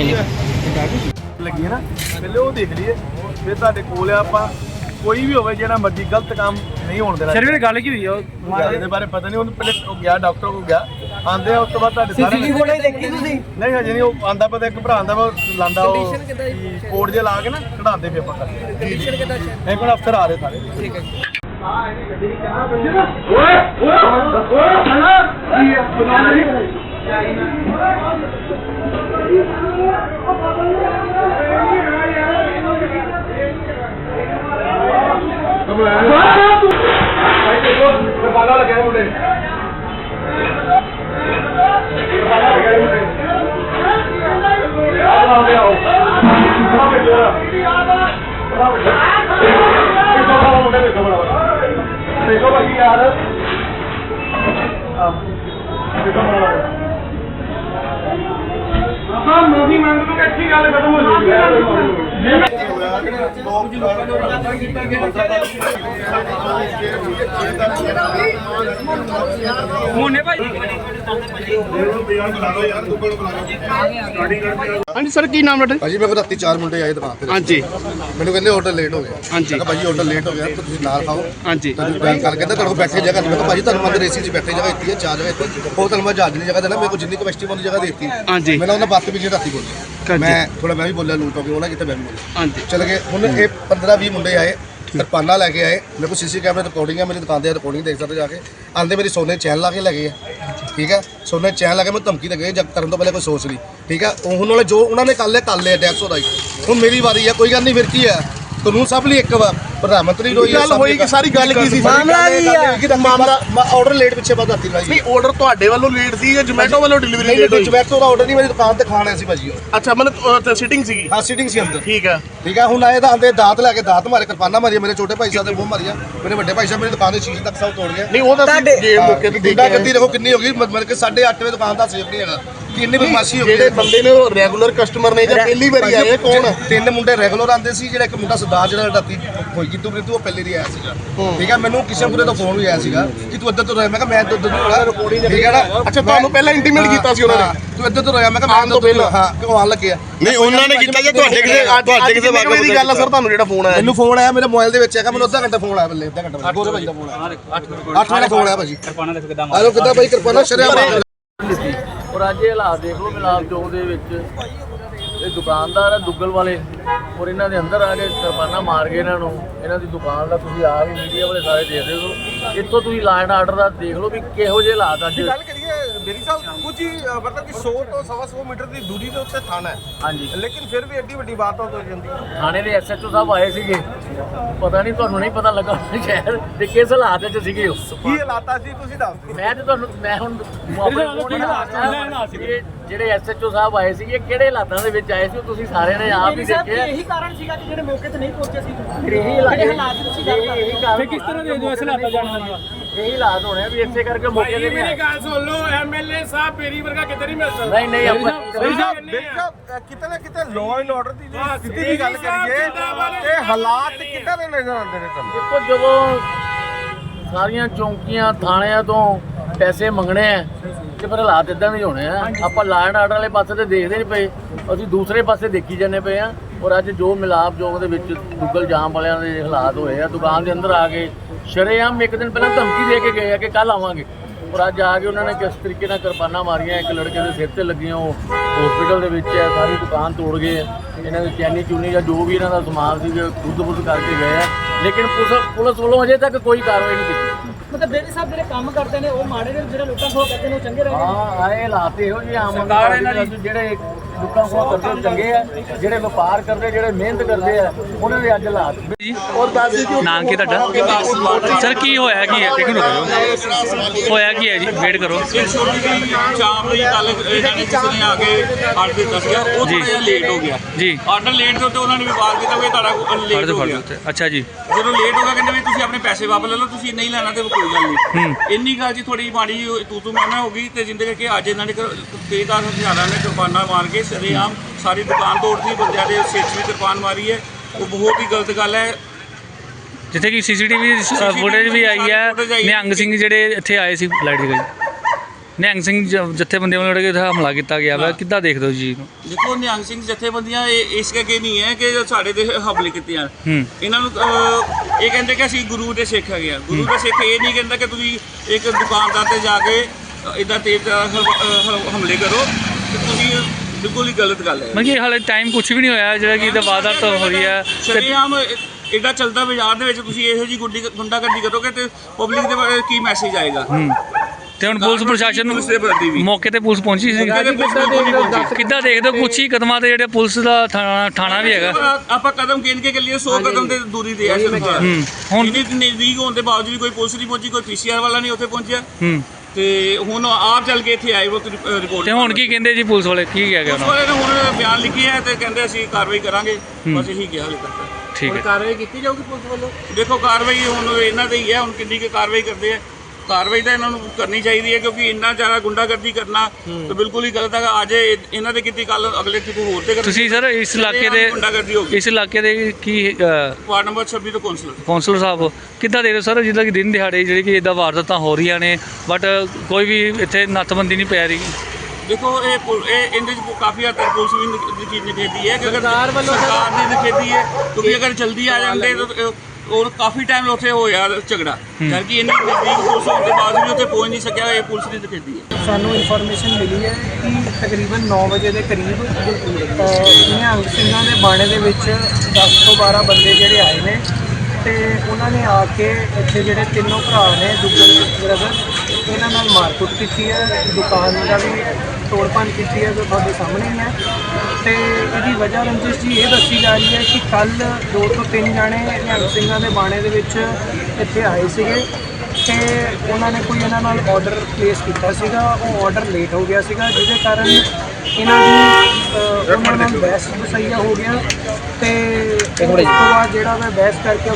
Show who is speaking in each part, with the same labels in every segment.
Speaker 1: ਲੱਗੀ ਹੈ ਨਾ ਪਹਿਲੇ ਉਹ ਦੇਖ ਲਈਏ ਫਿਰ ਤੁਹਾਡੇ ਕੋਲ ਆਪਾਂ ਕੋਈ ਵੀ ਹੋਵੇ ਜਿਹੜਾ ਮਰਜ਼ੀ ਗਲਤ ਕੰਮ ਨਹੀਂ ਹੋਣ ਦੇਣਾ।
Speaker 2: ਸਰ ਵੀਰੇ ਗੱਲ ਕੀ ਹੋਈ ਆ
Speaker 1: ਇਹਦੇ ਬਾਰੇ ਪਤਾ ਨਹੀਂ, ਉਹਨੂੰ ਪਹਿਲੇ ਉਹ ਗਿਆ ਡਾਕਟਰ ਕੋਲ ਗਿਆ, ਆਂਦੇ ਆ ਉਸ ਤੋਂ ਬਾਅਦ ਤੁਹਾਡੇ ਸਾਰੇ
Speaker 3: ਫੋਟੋ ਦੇਖੀ ਤੁਸੀਂ?
Speaker 1: ਨਹੀਂ ਹਜੇ ਨਹੀਂ, ਉਹ ਆਂਦਾ ਪਤਾ ਇੱਕ ਭਰਾ ਆਂਦਾ ਵਾ ਲਾਂਦਾ ਉਹ ਕੋਡ ਜਿਹਾ ਲਾ ਕੇ ਨਾ ਕਢਾਉਂਦੇ ਪੇਪਰ
Speaker 3: ਕੰਡੀਸ਼ਨ ਕਿੱਦਾਂ ਚੱਲ?
Speaker 1: ਇਹ ਕੋਲ ਅਫਸਰ ਆ ਰਹੇ ਸਾਰੇ।
Speaker 3: ਠੀਕ ਹੈ
Speaker 1: ਬਾਲਾ ਲਗਾਏ ਮੁੰਡੇ ਦੇਖੋ ਭਾਈ ਯਾਰ ਹਾਂ ਮਾਫੀ ਮੰਗ ਲਓ ਕਿ ਅੱਛੀ ਗੱਲ ਖਤਮ ਹੋ
Speaker 2: ਮੋਨੇ ਭਾਈ
Speaker 4: ਹਾਂਜੀ ਸਰ ਕੀ ਨਾਮ ਤੁਹਾਡਾ?
Speaker 5: ਭਾਜੀ ਮੇਰੇ ਕੋਲ ਰਾਤੀ 4 ਮੁੰਡੇ ਆਏ ਦੁਕਾਨ ਤੇ।
Speaker 4: ਹਾਂਜੀ
Speaker 5: ਮੈਨੂੰ ਕਹਿੰਦੇ ਆਰਡਰ ਲੇਟ ਹੋ ਗਿਆ।
Speaker 4: ਹਾਂਜੀ।
Speaker 5: ਮੈਂ ਕਿਹਾ ਭਾਜੀ ਆਰਡਰ ਲੇਟ ਹੋ ਗਿਆ ਤਾਂ ਤੁਸੀਂ ਨਾਲ ਖਾਓ।
Speaker 4: ਹਾਂਜੀ
Speaker 5: ਤੁਹਾਨੂੰ ਗੱਲ ਕਰ ਕਹਿੰਦਾ ਤੁਹਾਡੇ ਕੋਲ ਬੈਠੇ ਜਗ੍ਹਾ ਨਹੀਂ। ਮੈਂ ਕਿਹਾ ਭਾਜੀ ਤੁਹਾਨੂੰ ਅੰਦਰ ਏਸੀ 'ਚ ਬੈਠੇ ਜਗ੍ਹਾ ਦਿੱਤੀ ਹੈ, 4 ਜਗ੍ਹਾ ਦਿੱਤੀ ਹੋਰ ਤੁਹਾਨੂੰ ਮੈਂ ਜਹਾਜ਼ ਦੀ ਜਗ੍ਹਾ ਦੇਣਾ, ਮੇਰੇ ਕੋਲ ਜਿੰਨੀ ਕਪੈਸਿਟੀ ਵਾਲੀ ਜਗ੍ਹਾ ਦਿੱਤੀ।
Speaker 4: ਹਾਂਜੀ।
Speaker 5: ਮੈਂ ਉਹਨਾਂ ਬਾਤ ਵੀ ਜੇ ਰਾਤੀ ਬੋਲਿਆ, ਮੈਂ ਥੋੜਾ ਮੈਂ ਵੀ ਬੋਲਿਆ ਲੂਟ ਹੋ ਗਿਆ, ਉਹਨਾਂ ਕਿਤੇ ਮੈਂ ਵੀ ਬੋਲਿਆ।
Speaker 4: ਹਾਂਜੀ
Speaker 5: ਚਲ ਗਏ। ਹੁਣ ਇਹ 15-20 ਮੁੰਡੇ ਆਏ, ਕਿਰਪਾਨਾਂ ਲੈ ਕੇ ਆਏ। ਮੇਰੇ ਕੋਲ ਸੀਸੀ ਕੈਮਰੇ ਰਿਕਾਰਡਿੰਗ ਹੈ, ਮੇਰੀ ਦੁਕਾਨ ਤੇ ਰਿਕਾਰਡਿੰਗ ਦੇਖ ਸਕਦੇ ਜਾ ਕੇ। ਆਂਦੇ ਮੇਰੀ ਸੋਨੇ ਚੈਨ ਲਾ ਕੇ ਲੈ ਗਏ ਆ, ਠੀਕ ਹੈ। ਸੋਨੇ ਚੈਨ ਲਾ ਕੇ ਮੈਨੂੰ ਧਮਕੀ ਦੇ ਗਏ, ਜਦ ਕਰਨ ਤੋਂ ਪਹਿਲੇ ਕੋਈ ਸੋਚ ਨਹੀਂ, ਠੀਕ ਹੈ। ਹੁਣ ਵਾਲੇ ਜੋ ਉਹਨਾਂ ਨੇ ਕਰ ਲਿਆ ਟੈਕਸ ਉਹਦਾ ਹੀ। ਹੁਣ ਮੇਰੀ ਵਾਰੀ ਹੈ, ਕੋਈ ਗੱਲ ਨਹੀਂ, ਫਿਰ ਕੀ ਹੈ, ਕਾਨੂੰਨ ਸਭ ਲਈ ਇੱਕ ਵਾਰ ਪ੍ਰਧਾਨ ਮੰਤਰੀ ਰੋਈ
Speaker 4: ਗੱਲ ਹੋਈ ਕਿ ਸਾਰੀ ਗੱਲ ਕੀ ਸੀ?
Speaker 5: ਮਾਮਲਾ ਆਰਡਰ ਲੇਟ ਪਿੱਛੇ ਬਾਅਦ ਆਤੀ ਭਾਈ।
Speaker 4: ਨਹੀਂ ਆਰਡਰ ਤੁਹਾਡੇ ਵੱਲੋਂ ਲੇਟ ਸੀ ਜਾਂ ਜੋਮੈਟੋ ਵੱਲੋਂ ਡਿਲੀਵਰੀ ਲੇਟ ਹੋਈ?
Speaker 5: ਜੋਮੈਟੋ ਦਾ ਆਰਡਰ ਨਹੀਂ, ਮੇਰੀ ਦੁਕਾਨ ਤੇ ਖਾਣ ਆਇਆ ਸੀ ਭਾਜੀ ਉਹ।
Speaker 4: ਅੱਛਾ ਮਤਲਬ ਸਿਟਿੰਗ ਸੀਗੀ?
Speaker 5: ਹਾਂ ਸਿਟਿੰਗ ਸੀ ਅੰਦਰ।
Speaker 4: ਠੀਕ ਹੈ
Speaker 5: ਠੀਕ ਹੈ। ਹੁਣ ਆਏ ਤਾਂ ਆਂਦੇ ਦਾਤ ਲੈ ਕੇ ਦਾਤ ਮਾਰੇ, ਕਿਰਪਾਨਾਂ ਮਾਰੀਆਂ, ਮੇਰੇ ਛੋਟੇ ਭਾਈ ਸਾਹਿਬ ਦੇ ਮੂੰਹ ਮਾਰੀਆਂ, ਮੇਰੇ ਵੱਡੇ ਭਾਈ ਸਾਹਿਬ ਮੇਰੀ ਦੁਕਾਨ ਦੇ ਸ਼ੀਸ਼ੇ ਤੱਕ ਸਭ ਤੋੜ ਗਏ।
Speaker 4: ਨਹੀਂ ਉਹ ਤਾਂ ਜੇ ਮੌਕੇ ਤੇ
Speaker 5: ਗੁੰਡਾ ਗੱਦੀ ਦੇਖੋ ਕਿੰਨੀ ਹੋ ਗਈ, ਮਤਲਬ ਕਿ 8:30 ਵਜੇ ਦੁਕਾਨ ਦਾ ਸੇਫ ਨਹੀਂ ਹੈਗਾ। ਕਿੰਨੀ ਬਦਮਾਸ਼ੀ ਹੋ ਗਈ।
Speaker 4: ਜਿਹੜੇ ਬੰਦੇ ਨੇ ਉਹ ਰੈਗੂਲਰ ਕਸਟਮਰ ਨੇ ਜਾਂ ਪਹਿਲੀ ਵਾਰੀ ਆਏ ਕੌਣ?
Speaker 5: 3 ਮੁੰਡੇ ਰੈਗੂਲਰ ਆਉਂਦੇ ਸੀ, ਜਿਹੜਾ ਇੱਕ ਮੁੰਡਾ ਸਰਦਾਰ ਜਿਹੜਾ ਰਾਤੀ ਹੋਈ ਕਿਤੋਂ ਉਹ ਪਹਿਲੇ ਦੀ ਆਇਆ ਸੀਗਾ, ਠੀਕ ਹੈ। ਮੈਨੂੰ ਕਿਸੇ ਮੁੰਡੇ ਦਾ ਫੋਨ ਵੀ ਆਇਆ ਸੀਗਾ ਕਿ ਤੂੰ ਇੱਧਰ ਤੋਂ ਰਹਿ, ਮੈਂ ਕਿਹਾ ਮੈਂ ਇੱਧਰ ਤੋਂ ਰਿਕਾਰਡਿੰਗ, ਠੀਕ ਹੈ ਨਾ।
Speaker 4: ਅੱਛਾ ਤੁਹਾਨੂੰ ਪਹਿਲਾਂ ਇੰਟੀਮੇਟ ਕੀਤਾ ਸੀ ਉਹਨਾਂ ਨੇ?
Speaker 5: ਤੂੰ ਇੱਧਰ ਤੋਂ ਰਹਿ, ਮੈਂ ਕਿਹਾ ਮੈਂ ਪਹਿਲਾਂ ਹਾਂ ਕਿਉਂ ਆਉਣ ਲੱਗਿਆ।
Speaker 4: ਨਹੀਂ ਉਹਨਾਂ ਨੇ ਕੀਤਾ ਜਾਂ ਤੁਹਾਡੇ ਕਿਸੇ ਵਾਕਫ ਦੀ ਗੱਲ ਆ ਸਰ? ਤੁਹਾਨੂੰ ਜਿਹੜਾ ਫੋਨ ਆਇਆ?
Speaker 5: ਮੈਨੂੰ ਫੋਨ ਆਇਆ ਮੇਰੇ ਮੋਬਾਈਲ ਦੇ ਵਿੱਚ ਹੈਗਾ, ਮੈਨੂੰ ਅੱਧਾ ਘੰਟਾ ਫੋਨ ਆਇਆ, ਬੱਲੇ ਅੱਧਾ ਘੰਟਾ ਗੋਰੇ ਭਾਜੀ ਦਾ ਫੋਨ ਆਇਆ, 8 ਵਜੇ ਫੋਨ ਆਇਆ ਭਾਜੀ। ਕਿਰਪਾਨਾਂ ਦੇਖੋ ਕਿੱਦਾਂ ਮਾਰ ਕਿੱਦਾਂ ਭਾਈ, ਕਿਰਪਾਨਾਂ ਸ਼ਰਿਆ।
Speaker 1: ਔਰ ਅੱਜ ਇਹ ਹਾਲਾਤ ਦੇਖ ਲਓ ਮਿਲਾਪ ਚੌਕ ਦੇ ਵਿੱਚ, ਇਹ ਦੁਕਾਨਦਾਰ ਆ ਦੁੱਗਲ ਵਾਲੇ, ਔਰ ਇਹਨਾਂ ਦੇ ਅੰਦਰ ਆ ਕੇ ਕਿਰਪਾਨਾਂ ਮਾਰ ਕੇ ਇਹਨਾਂ ਨੂੰ, ਇਹਨਾਂ ਦੀ ਦੁਕਾਨ ਦਾ ਤੁਸੀਂ ਆ ਵੀ ਮੀਡੀਆ ਵਾਲੇ ਸਾਰੇ ਦੇਖ ਰਹੇ ਹੋ। ਇੱਥੋਂ ਤੁਸੀਂ ਲਾਅ ਐਂਡ ਆਰਡਰ ਦਾ ਦੇਖ ਲਓ ਵੀ ਕਿਹੋ ਜਿਹੇ ਹਾਲਾਤ ਅੱਜ।
Speaker 6: ਗੱਲ ਕਰੀਏ ਮੇਰੀ ਸਾਹਿਬ, ਕੁਝ ਹੀ ਮਤਲਬ ਕਿ 100 ਤੋਂ 125 ਮੀਟਰ ਦੀ ਦੂਰੀ ਦੇ ਉੱਤੇ ਥਾਣਾ ਹੈ।
Speaker 1: ਹਾਂਜੀ
Speaker 6: ਲੇਕਿਨ ਫਿਰ ਵੀ ਐਡੀ ਵੱਡੀ ਬਾਤ ਹੋ ਜਾਂਦੀ ਹੈ।
Speaker 1: ਥਾਣੇ ਦੇ ਐਸਐਚਓ ਸਾਹਿਬ ਆਏ ਸੀਗੇ, ਪਤਾ ਨਹੀਂ ਤੁਹਾਨੂੰ ਨਹੀਂ ਪਤਾ ਲੱਗਾ ਸ਼ਹਿਰ ਦੇ ਕਿਸ ਹਾਲਾਤ ਵਿੱਚ ਸੀਗੇ ਉਹ।
Speaker 6: ਕੀ ਹਾਲਾਤਾਂ ਸੀ ਤੁਸੀਂ ਦੱਸ ਦਿਓ।
Speaker 1: ਮੈਂ ਤੇ ਤੁਹਾਨੂੰ ਮੈਂ ਹੁਣ ਜਿਹੜੇ ਐਸਐਚਓ ਸਾਹਿਬ ਆਏ ਸੀਗੇ ਕਿਹੜੇ ਹਾਲਾਤਾਂ ਦੇ ਵਿੱਚ ਆਏ ਸੀ ਉਹ ਤੁਸੀਂ ਸਾਰਿਆਂ ਨੇ ਆਪ ਹੀ ਦੇਖਿਆ।
Speaker 3: ਇਹੀ ਕਾਰਨ ਸੀਗਾ ਕਿ ਜਿਹੜੇ ਮੌਕੇ ਤੇ ਨਹੀਂ ਪਹੁੰਚੇ ਸੀ?
Speaker 1: ਇਹੀ ਹਾਲਾਤ ਤੁਸੀਂ ਗੱਲ ਕਰ ਰਹੇ ਹੋ।
Speaker 2: ਕਿਸ ਤਰ੍ਹਾਂ ਦੇ ਦੋ ਇਸ ਹਾਲਾਤਾਂ ਜਾਣਨ ਦਾ
Speaker 1: ਇਹੀ ਹਾਲਾਤ ਹੋਣੇ ਵੀ ਇੱਥੇ ਕਰਕੇ ਮੌਕੇ ਤੇ
Speaker 2: ਮੇਰੀ ਗੱਲ ਸੁਣ ਲਓ, ਐਮਐਲਏ ਸਾਹਿਬ ਮੇਰੀ ਵਰਗਾ ਕਿਤੇ ਨਹੀਂ ਮਿਲ ਸਕਦਾ।
Speaker 1: ਨਹੀਂ ਨਹੀਂ ਆਪਾਂ
Speaker 6: ਕਿਤੇ ਨਾ ਕਿਤੇ ਲਾਅ ਐਂਡ ਆਰਡਰ ਦੀ ਜੇ ਸਥਿਤੀ ਦੀ ਗੱਲ ਕਰੀਏ ਤੇ ਹਾਲਾਤ ਕਿੱਦਾਂ ਦੇ ਨਜ਼ਰ ਆਉਂਦੇ ਨੇ ਤੁਹਾਨੂੰ?
Speaker 1: ਦੇਖੋ ਜਦੋਂ ਸਾਰੀਆਂ ਚੌਂਕੀਆਂ ਥਾਣਿਆਂ ਤੋਂ ਪੈਸੇ ਮੰਗਣੇ ਆ ਤੇ ਫਿਰ ਹਾਲਾਤ ਇਦਾਂ ਦੇ ਹੋਣੇ ਆ। ਆਪਾਂ ਲਾਅ ਐਂਡ ਆਰਡਰ ਵਾਲੇ ਪਾਸੇ ਤੇ ਦੇਖਦੇ ਨਹੀਂ ਪਏ, ਅਸੀਂ ਦੂਸਰੇ ਪਾਸੇ ਦੇਖੀ ਜਾਂਦੇ ਪਏ ਆ। ਔਰ ਅੱਜ ਜੋ ਮਿਲਾਪ ਚੌਕ ਦੇ ਵਿੱਚ ਦੁੱਗਲ ਜਾਮ ਵਾਲਿਆਂ ਦੇ ਹਾਲਾਤ ਹੋਏ ਆ, ਦੁਕਾਨ ਦੇ ਅੰਦਰ ਆ ਕੇ ਸ਼ਰੇਆਮ ਇੱਕ ਦਿਨ ਪਹਿਲਾਂ ਧਮਕੀ ਦੇ ਕੇ ਗਏ ਆ ਕਿ ਕੱਲ ਆਵਾਂਗੇ, ਔਰ ਅੱਜ ਆ ਕੇ ਉਹਨਾਂ ਨੇ ਕਿਸ ਤਰੀਕੇ ਨਾਲ ਕਿਰਪਾਨਾਂ ਮਾਰੀਆਂ, ਇੱਕ ਲੜਕੇ ਦੇ ਸਿਰ ਤੇ ਲੱਗੀਆਂ, ਉਹ ਹਸਪੀਟਲ ਦੇ ਵਿੱਚ ਹੈ, ਸਾਰੀ ਦੁਕਾਨ ਤੋੜ ਗਏ ਆ। ਇਹਨਾਂ ਦੀ ਚੈਨੀ ਚੂਨੀ ਜਾਂ ਜੋ ਵੀ ਇਹਨਾਂ ਦਾ ਸਮਾਨ ਸੀ ਖੁਦ ਕਰਕੇ ਗਏ ਆ, ਲੇਕਿਨ ਪੁਲਿਸ ਵੱਲੋਂ ਅਜੇ ਤੱਕ ਕੋਈ ਕਾਰਵਾਈ ਨਹੀਂ ਕੀਤੀ।
Speaker 3: ਮਤਲਬ ਬੇਦੀ ਸਾਹਿਬ ਜਿਹੜੇ ਕੰਮ ਕਰਦੇ ਨੇ ਉਹ ਮਾੜੇ ਨੇ, ਜਿਹੜੇ ਲੋਕਾਂ ਕੋਲ ਕਰਦੇ ਨੇ ਉਹ ਚੰਗੇ ਰਹੇ?
Speaker 1: ਹਾਂ ਆਏ ਹਾਲਾਤ ਇਹੋ ਜਿਹੇ ਆਮ ਜਿਹੜੇ ਲੋਕਾਂ ਕੋਲ ਕਰਦੇ ਉਹ ਚੰਗੇ ਆ, ਜਿਹੜੇ ਵਪਾਰ ਕਰਦੇ, ਜਿਹੜੇ ਮਿਹਨਤ ਕਰਦੇ ਆ, ਉਹਨਾਂ ਦੇ ਅੱਜ ਹਾਲਾਤ।
Speaker 2: ਨਾਮ ਕੀ ਤੁਹਾਡਾ? ਸਰ ਕੀ ਹੋਇਆ ਕੀ ਹੈ? ਦੇਖੋ ਹੋਇਆ ਕੀ ਹੈ ਜੀ, ਵੇਟ ਕਰੋ।
Speaker 7: ਸ਼ਾਮ ਨੂੰ ਕੱਲ ਇਹਨਾਂ ਨੇ ਕਿਸੇ ਨੇ ਆ ਕੇ ਆਰਡਰ ਦਿੱਤਾ ਸੀਗਾ, ਉਹ ਥੋੜਾ ਜਿਹਾ ਲੇਟ ਹੋ ਗਿਆ
Speaker 2: ਜੀ।
Speaker 7: ਆਰਡਰ ਲੇਟ ਦੇ ਉੱਤੇ ਉਹਨਾਂ ਨੇ ਵਿਵਾਦ ਕੀਤਾ ਵੀ ਤੁਹਾਡਾ ਲੇਟ ਹੋ ਗਿਆ।
Speaker 2: ਅੱਛਾ ਜੀ।
Speaker 7: ਜਦੋਂ ਲੇਟ ਹੋ ਗਿਆ ਕਹਿੰਦੇ ਵੀ ਤੁਸੀਂ ਆਪਣੇ ਪੈਸੇ ਵਾਪਸ ਲੈ ਲਓ, ਤੁਸੀਂ ਨਹੀਂ ਲੈਣਾ ਤੇ ਕੋਈ ਗੱਲ ਨਹੀਂ। ਇੰਨੀ ਗੱਲ ਜੀ ਥੋੜੀ ਮਾੜੀ ਤੂੰ ਮੈਂ ਹੋ ਗਈ ਤੇ ਜਿੰਦੇ ਕਰਕੇ ਅੱਜ ਇਹਨਾਂ ਨੇ ਤੇਜ਼ਦਾਰ ਹਥਿਆਰਾਂ ਨੇ ਕਿਰਪਾਨਾਂ ਮਾਰ ਕੇ ਸਰੇਆਮ ਸਾਰੀ ਦੁਕਾਨ ਤੋੜਦੀ, ਬੰਦਿਆਂ ਦੇ ਸਿਰ 'ਚ ਵੀ ਕਿਰਪਾਨ ਮਾਰੀ ਹੈ। ਉਹ ਬਹੁਤ ਹੀ ਗਲਤ ਗੱਲ ਹੈ।
Speaker 2: ਜਿੱਥੇ ਕਿ ਸੀਸੀਟੀਵੀ ਫੁਟੇਜ ਵੀ ਆਈ ਹੈ, ਨਿਹੰਗ ਸਿੰਘ ਜਿਹੜੇ ਇੱਥੇ ਆਏ ਸੀ ਲਾਈਟ ਦੀ ਗਈ। ਨਿਹੰਗ ਸਿੰਘ ਜਥੇਬੰਦੀਆਂ ਵੱਲੋਂ ਜਿਹੜਾ ਕਿ ਹਮਲਾ ਕੀਤਾ ਗਿਆ ਵਾ, ਕਿੱਦਾਂ ਦੇਖਦੇ ਹੋ ਜੀ ਨੂੰ?
Speaker 7: ਦੇਖੋ ਨਿਹੰਗ ਸਿੰਘ ਜਥੇਬੰਦੀਆਂ ਇਸ ਕਰਕੇ ਨਹੀਂ ਹੈ ਕਿ ਸਾਡੇ ਤੇ ਹਮਲੇ ਕੀਤੇ ਹਨ।
Speaker 2: ਹੂੰ
Speaker 7: ਇਹਨਾਂ ਨੂੰ ਇਹ ਕਹਿੰਦੇ ਕਿ ਅਸੀਂ ਗੁਰੂ ਦੇ ਸਿੱਖ ਹੈਗੇ ਆ। ਗੁਰੂ ਦੇ ਸਿੱਖ ਇਹ ਨਹੀਂ ਕਹਿੰਦਾ ਕਿ ਤੁਸੀਂ ਇੱਕ ਦੁਕਾਨਦਾਰ ਤੇ ਜਾ ਕੇ ਇਦਾਂ ਤੇਜ਼ ਹਮਲੇ ਕਰੋ, ਤੇ ਤੁਸੀਂ ਬਿਲਕੁਲ ਹੀ ਗਲਤ ਗੱਲ ਹੈ।
Speaker 2: ਮਤਲਬ ਕਿ ਹਾਲੇ ਟਾਈਮ ਕੁਝ ਵੀ ਨਹੀਂ ਹੋਇਆ ਜਿਹੜਾ ਕਿ ਇਹਦਾ ਵਾਰਦਾਤ ਹੋ ਰਹੀ ਹੈ ਤੇ
Speaker 7: ਸ਼ਰੇਆਮ ਐਡਾ ਚੱਲਦਾ ਬਾਜ਼ਾਰ ਦੇ ਵਿੱਚ ਤੁਸੀਂ ਇਹੋ ਜਿਹੀ ਗੁੰਡਾਗਰਦੀ ਕਰੋਗੇ ਤੇ ਪਬਲਿਕ ਦੇ ਬਾਰੇ ਕੀ ਮੈਸੇਜ ਆਏਗਾ?
Speaker 2: ਤੇ ਹੁਣ ਪੁਲਿਸ ਪ੍ਰਸ਼ਾਸਨ
Speaker 7: ਪੁਲਿਸ ਦੇ ਪ੍ਰਤੀ ਵੀ
Speaker 2: ਨੂੰ ਮੌਕੇ ਤੇ ਪੁਲਿਸ ਪਹੁੰਚੀ ਸੀ। ਕਿੱਦਾਂ ਦੇਖਦੇ ਹੋ ਕੁਛ ਹੀ ਕਦਮਾਂ ਤੇ ਜਿਹੜੇ ਪੁਲਿਸ ਦਾ ਥਾਣਾ ਵੀ ਹੈਗਾ?
Speaker 7: ਆਪਾਂ ਕਦਮ ਗਿਣ ਕੇ ਚੱਲੀਏ 100 ਕਦਮ ਦੇ ਦੂਰੀ ਤੇ ਆ ਸਰਕਾਰ।
Speaker 2: ਹੁਣ
Speaker 7: ਇੰਨੀ ਨਜ਼ਦੀਕ ਹੋਣ ਦੇ ਬਾਵਜੂਦ ਵੀ ਕੋਈ ਪੁਲਿਸ ਨਹੀਂ ਪਹੁੰਚੀ, ਕੋਈ ਪੀਸੀਆਰ ਵਾਲਾ ਨਹੀਂ ਉੱਥੇ ਪਹੁੰਚਿਆ।
Speaker 2: ਹੂੰ
Speaker 7: ਤੇ ਹੁਣ ਆਪ ਚੱਲ ਕੇ ਇੱਥੇ ਆਏ ਉਹ ਰਿਪੋਰਟ।
Speaker 2: ਤੇ ਹੁਣ ਕੀ ਕਹਿੰਦੇ ਜੀ ਪੁਲਿਸ ਵਾਲੇ, ਕੀ ਕਹਿ ਗਏ
Speaker 7: ਪੁਲਿਸ
Speaker 2: ਉਹਨਾਂ
Speaker 7: ਵਾਲੇ ਨੇ ਹੁਣ ਬਿਆਨ ਲਿਖੇ ਹੈ ਤੇ ਕਹਿੰਦੇ ਅਸੀਂ ਕਾਰਵਾਈ ਕਰਾਂਗੇ, ਬਸ ਇਹੀ ਕਿਹਾ ਹਾਲੇ ਤੱਕ।
Speaker 2: ਠੀਕ ਹੈ
Speaker 3: ਕਾਰਵਾਈ ਕੀਤੀ ਜਾਊਗੀ ਪੁਲਿਸ ਵੱਲੋਂ?
Speaker 7: ਦੇਖੋ ਕਾਰਵਾਈ ਹੁਣ ਇਹਨਾਂ ਤੇ ਹੀ ਹੈ, ਹੁਣ ਕਿੰਨੀ ਕੁ ਕਾਰਵਾਈ ਕਰਦੇ ਆ। ਕਾਰਵਾਈ ਤਾਂ ਇਹਨਾਂ ਨੂੰ ਕਰਨੀ ਚਾਹੀਦੀ ਹੈ ਕਿਉਂਕਿ ਇੰਨਾ ਜ਼ਿਆਦਾ ਗੁੰਡਾਗਰਦੀ ਕਰਨਾ ਤਾਂ ਬਿਲਕੁਲ ਹੀ ਗਲਤ ਹੈਗਾ। ਅੱਜ ਇਹਨਾਂ ਦੇ ਕੀਤੀ, ਕੱਲ ਅਗਲੇ ਕਿਤੇ ਹੋਰ ਤੇ
Speaker 2: ਤੁਸੀਂ ਸਰ ਇਸ ਇਲਾਕੇ ਦੇ
Speaker 7: ਗੁੰਡਾਗਰਦੀ ਹੋ ਗਈ।
Speaker 2: ਇਸ ਇਲਾਕੇ ਦੇ ਕੀ
Speaker 7: ਵਾਰਡ ਨੰਬਰ 26 ਤੋਂ
Speaker 2: ਕੌਂਸਲਰ ਸਾਹਿਬ ਕਿੱਦਾਂ ਦੇਖਦੇ ਹੋ ਸਰ, ਜਿੱਦਾਂ ਕਿ ਦਿਨ ਦਿਹਾੜੇ ਜਿਹੜੀ ਕਿ ਇੱਦਾਂ ਵਾਰਦਾਤਾਂ ਹੋ ਰਹੀਆਂ ਨੇ ਬਟ ਕੋਈ ਵੀ ਇੱਥੇ ਨੱਥਬੰਦੀ ਨਹੀਂ ਪੈ ਰਹੀ?
Speaker 7: ਦੇਖੋ ਇਹ ਇਹਦੇ 'ਚ ਕਾਫੀ ਹੱਦ ਤੱਕ ਪੁਲਿਸ ਵੀ ਨਿਖੇਧੀ ਹੈ ਕਿ ਅਗਰ ਸਰਕਾਰ ਦੀ ਨਿਖੇਧੀ ਹੈ ਕਿਉਂਕਿ ਅਗਰ ਜਲਦੀ ਆ ਜਾਂਦੇ ਤਾਂ ਔਰ ਕਾਫੀ ਟਾਈਮ ਉੱਥੇ ਹੋਇਆ ਝਗੜਾ, ਜਦਕਿ ਇੰਨੀ ਨਜ਼ਦੀਕ ਪੁਲਿਸ ਹੋਣ ਦੇ ਬਾਵਜੂਦ ਵੀ ਉੱਥੇ ਪਹੁੰਚ ਨਹੀਂ ਸਕਿਆ। ਇਹ ਪੁਲਿਸ ਦੀ ਨਿਖੇਧੀ ਹੈ।
Speaker 3: ਸਾਨੂੰ ਇਨਫੋਰਮੇਸ਼ਨ ਮਿਲੀ ਹੈ ਕਿ ਤਕਰੀਬਨ 9 ਵਜੇ ਦੇ ਕਰੀਬ ਨਿਹੰਗ ਸਿੰਘਾਂ ਦੇ ਬਾਣੇ ਦੇ ਵਿੱਚ 10 ਤੋਂ 12 ਬੰਦੇ ਜਿਹੜੇ ਆਏ ਨੇ ਤੇ ਉਹਨਾਂ ਨੇ ਆ ਕੇ ਇੱਥੇ ਜਿਹੜੇ ਤਿੰਨੋਂ ਭਰਾ ਨੇ ਦੁੱਗਲ ਬ੍ਰਦਰ, ਇਹਨਾਂ ਨਾਲ ਮਾਰਕੁੱਟ ਕੀਤੀ ਹੈ, ਦੁਕਾਨ ਦਾ ਵੀ ਤੋੜਪਾਨ ਕੀਤੀ ਹੈ ਜੋ ਤੁਹਾਡੇ ਸਾਹਮਣੇ ਹੀ ਹੈ। ਤੇ ਇਹਦੀ ਵਜ੍ਹਾ ਰੰਜਿਸ਼ ਜੀ ਇਹ ਦੱਸੀ ਜਾ ਰਹੀ ਹੈ ਕਿ ਕੱਲ 2 ਤੋਂ 3 ਜਾਣੇ ਨਿਹੰਗ ਸਿੰਘਾਂ ਦੇ ਬਾਣੇ ਦੇ ਵਿੱਚ ਇੱਥੇ ਆਏ ਸੀਗੇ ਤੇ ਉਹਨਾਂ ਨੇ ਕੋਈ ਇਹਨਾਂ ਨਾਲ ਆਰਡਰ ਪਲੇਸ ਕੀਤਾ ਸੀਗਾ, ਉਹ ਆਰਡਰ ਲੇਟ ਹੋ ਗਿਆ ਸੀਗਾ ਜਿਹਦੇ ਕਾਰਨ ਇਹਨਾਂ ਦੀ ਉਹਨਾਂ ਨਾਲ ਬਹਿਸ ਵਸਈਆ ਹੋ ਗਿਆ ਤੇ ਉਸ ਤੋਂ ਬਾਅਦ ਜਿਹੜਾ ਮੈਂ ਬਹਿਸ ਕਰਕੇ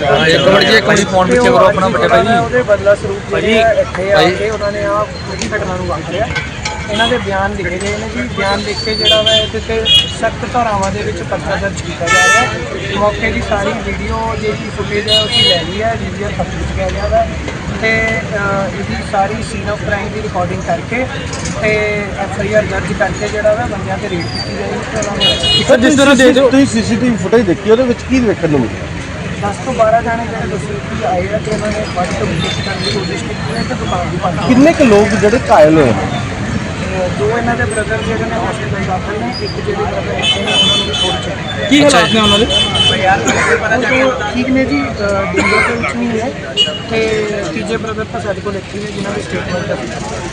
Speaker 3: ਉਹਦੇ ਬਦਲਾ ਸਰੂਪ ਜਿਹੜੇ ਇੱਥੇ ਆ ਕੇ ਉਹਨਾਂ ਨੇ ਆਹ ਘਟਨਾ ਨੂੰ ਵਾਪਰਿਆ। ਇਹਨਾਂ ਦੇ ਬਿਆਨ ਲਿਖੇ ਗਏ ਨੇ ਜੀ, ਬਿਆਨ ਲਿਖ ਕੇ ਜਿਹੜਾ ਵਾ ਇਹਦੇ ਤੇ ਸਖਤ ਧਾਰਾਵਾਂ ਦੇ ਵਿੱਚ ਪਰਚਾ ਦਰਜ ਕੀਤਾ ਜਾ ਰਿਹਾ ਹੈ। ਮੌਕੇ ਦੀ ਸਾਰੀ ਵੀਡੀਓ ਜਿਹੜੀ ਫੁਟੇਜ ਹੈ ਅਸੀਂ ਲੈ ਲਈ ਹੈ, ਵੀਡੀਓ ਤਫਤੀਸ਼ ਕਿਹਾ ਗਿਆ ਵਾ ਤੇ ਇਹਦੀ ਸਾਰੀ ਸੀਨ ਆਫ ਕ੍ਰਾਈਮ ਦੀ ਰਿਕਾਰਡਿੰਗ ਕਰਕੇ ਤੇ FIR ਦਰਜ ਕਰਕੇ ਜਿਹੜਾ ਵਾ ਬੰਦਿਆਂ ਤੇ ਰੇਡ ਕੀਤੀ ਜਾਏਗੀ ਤੇ ਉਹਨਾਂ ਨੂੰ
Speaker 4: ਸਰ ਜਿਸ ਤਰ੍ਹਾਂ ਤੁਸੀਂ ਸੀਸੀਟੀਵੀ ਫੁਟੇਜ ਦੇਖੀ ਉਹਦੇ ਵਿੱਚ ਕੀ ਵੇਖਣ ਨੂੰ ਮਿਲਿਆ?
Speaker 3: 10 ਤੋਂ 12 ਜਾਣੇ ਜਿਹੜੇ ਦੋਸ਼ੀ ਆਏ ਆ ਤੇ ਉਹਨਾਂ ਨੇ ਵੱਧ ਤੋਂ ਵੱਧ ਕਰਨ ਦੀ ਕੋਸ਼ਿਸ਼ ਕੀਤੀ ਹੈ ਤੇ ਦੁਕਾਨ ਦੀ ਭੰਨ
Speaker 4: ਕਿੰਨੇ ਕੁ ਲੋਕ ਜਿਹੜੇ ਘਾਇਲ ਹੋਏ ਨੇ?
Speaker 3: 2 ਇਹਨਾਂ ਦੇ ਬ੍ਰਦਰ ਜਿਹੜੇ ਨੇ ਹਸਪੀਟਲ ਦਾਖਲ ਨੇ, ਇੱਕ ਜਿਹੜੇ ਬ੍ਰਦਰ ਇੱਥੇ ਨੇ ਉਹਨਾਂ ਨੂੰ ਵੀ ਥੋੜ੍ਹੀ ਚੱਲੀ।
Speaker 2: ਕੀ ਹਾਲਾਤ ਨੇ ਉਹਨਾਂ ਦੇ?
Speaker 3: ਠੀਕ ਨੇ ਜੀ, ਡਿੰਗਰ ਦੇ ਵਿੱਚ ਨਹੀਂ ਹੈ ਤੇ ਤੀਜੇ ਬ੍ਰਦਰ ਤਾਂ ਸਾਡੇ ਕੋਲ ਇੱਥੇ ਨੇ ਜਿਨ੍ਹਾਂ ਦੀ ਸਟੇਟਮੈਂਟ ਹੈ।